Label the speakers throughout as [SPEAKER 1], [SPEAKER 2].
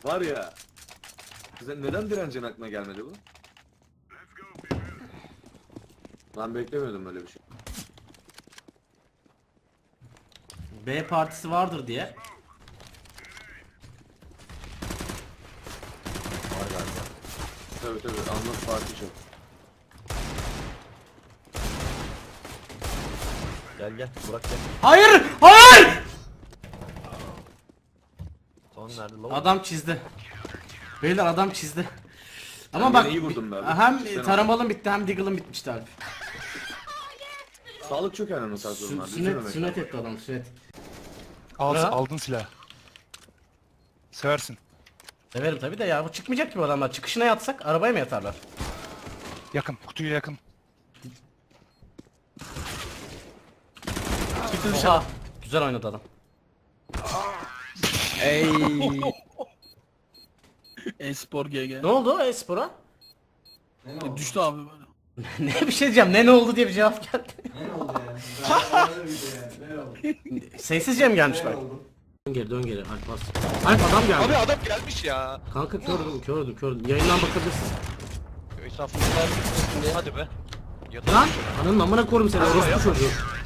[SPEAKER 1] Var ya. Size neden direncin aklına gelmedi bu? Ben beklemiyordum öyle bir şey.
[SPEAKER 2] B partisi vardır diye.
[SPEAKER 3] Var galiba.
[SPEAKER 1] Tabii anlat parti çok.
[SPEAKER 3] Gel Burak gel.
[SPEAKER 2] Hayır! Hayır!
[SPEAKER 3] Son nerede lan?
[SPEAKER 2] Adam çizdi. Beyler adam çizdi. Ama
[SPEAKER 1] Ben
[SPEAKER 2] bak
[SPEAKER 1] yine iyi vurdum be abi.
[SPEAKER 2] hem
[SPEAKER 1] Sen
[SPEAKER 2] taramalım bitti hem Deagle'ım bitmişti Alp.
[SPEAKER 1] Sağlık çok önemli tarz durumlar.
[SPEAKER 2] Sünnet etti adam sünnet.
[SPEAKER 4] Aldın silah. Seversin.
[SPEAKER 2] Severim tabi de ya bu çıkmayacak ki bu adamlar. Çıkışına yatsak arabaya mı yatarlar?
[SPEAKER 4] Yakın. Kutuya yakın.
[SPEAKER 2] Oha. Güzel oynadı adam.
[SPEAKER 5] Ey. Espor GG.
[SPEAKER 2] Ne oldu Espor'a?
[SPEAKER 5] Düştü abi böyle.
[SPEAKER 2] Ne bir şey diyeceğim. Ne oldu diye bir cevap geldi.
[SPEAKER 6] Ne oldu ya? Ne oldu?
[SPEAKER 2] Sessizce mi gelmiş bak? Dön geri Alp bas. Alp adam geldi.
[SPEAKER 3] Abi adam gelmiş ya.
[SPEAKER 2] Kanka kördüm. Yayından bakabilirsin.
[SPEAKER 3] Estağfurullah. Hadi be. Yatalım.
[SPEAKER 2] Lan ananın amına korum seni orospu çocuğu.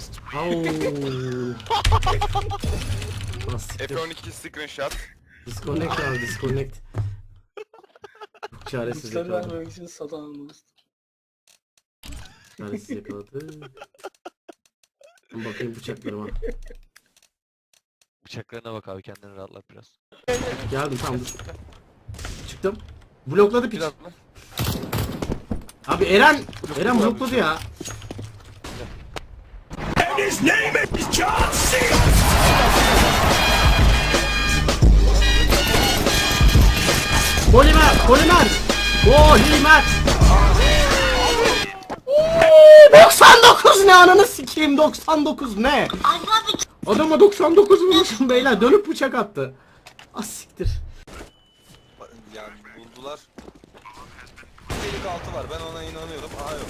[SPEAKER 7] F12 screenshot.
[SPEAKER 2] Disconnect abi disconnect. Çaresiz
[SPEAKER 5] Sen
[SPEAKER 2] yakaladı.
[SPEAKER 5] vermek için satan dost.
[SPEAKER 2] Çaresiz yakaladı. Bakayım bıçaklarıma.
[SPEAKER 3] Bıçaklarına bak abi, kendini rahatlat biraz.
[SPEAKER 2] Geldim tamam dur. Çıktım. Blokladı piç.
[SPEAKER 3] Biraz mı?
[SPEAKER 2] Abi Eren blokladı ya. Polimer. 99 ne ananı sikeyim 99 ne? Adama 99 vurmuşum beyler dönüp bıçak attı. Az siktir.
[SPEAKER 7] Yani buldular. Delik altı var, ben ona inanıyorum. Aha yok.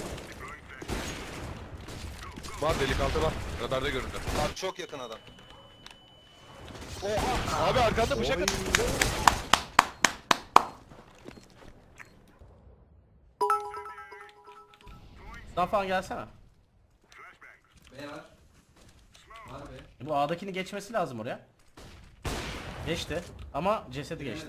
[SPEAKER 3] Var, delik altı var. Radarda göründü.
[SPEAKER 7] Abi çok yakın adam.
[SPEAKER 3] Oha! Abi arkanda bıçak at.
[SPEAKER 2] Daha falan gelsene.
[SPEAKER 6] B var. Var be.
[SPEAKER 2] Bu A'dakini geçmesi lazım oraya. Geçti ama cesedi geçti.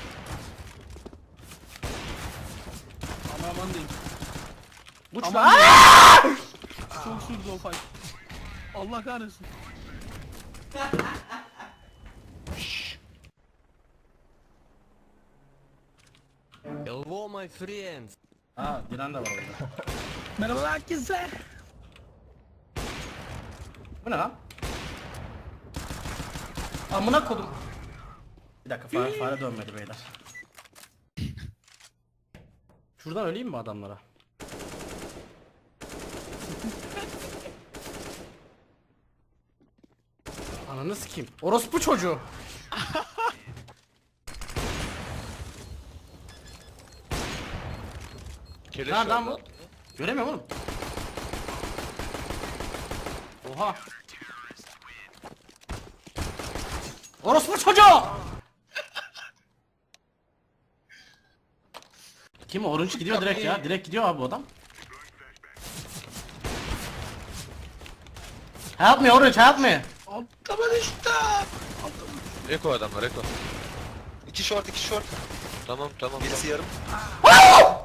[SPEAKER 5] Aman diyeyim.
[SPEAKER 2] Uçma.
[SPEAKER 5] Aman Çok sürdü o fight. Allah kahretsin.
[SPEAKER 3] Hello my friends.
[SPEAKER 2] Aa Diren de var orada.
[SPEAKER 5] Merhaba herkese.
[SPEAKER 2] Bu ne lan? Amına kodum. Bir dakika fare dönmedi beyler. Şuradan öleyim mi adamlara? Ananı sikeyim. Orospu çocuğu.
[SPEAKER 3] Keleş
[SPEAKER 2] Nereden
[SPEAKER 3] var
[SPEAKER 2] bu? Göremiyorum oğlum. Oha. Orospu çocuğu. Kim o? Orange gidiyor direkt ya. Direkt gidiyor abi bu adam. Help me Orange, help me.
[SPEAKER 5] Altıma düştü.
[SPEAKER 3] Eko adamlar, Eko.
[SPEAKER 7] İki short.
[SPEAKER 3] Tamam.
[SPEAKER 7] Birisi yarım.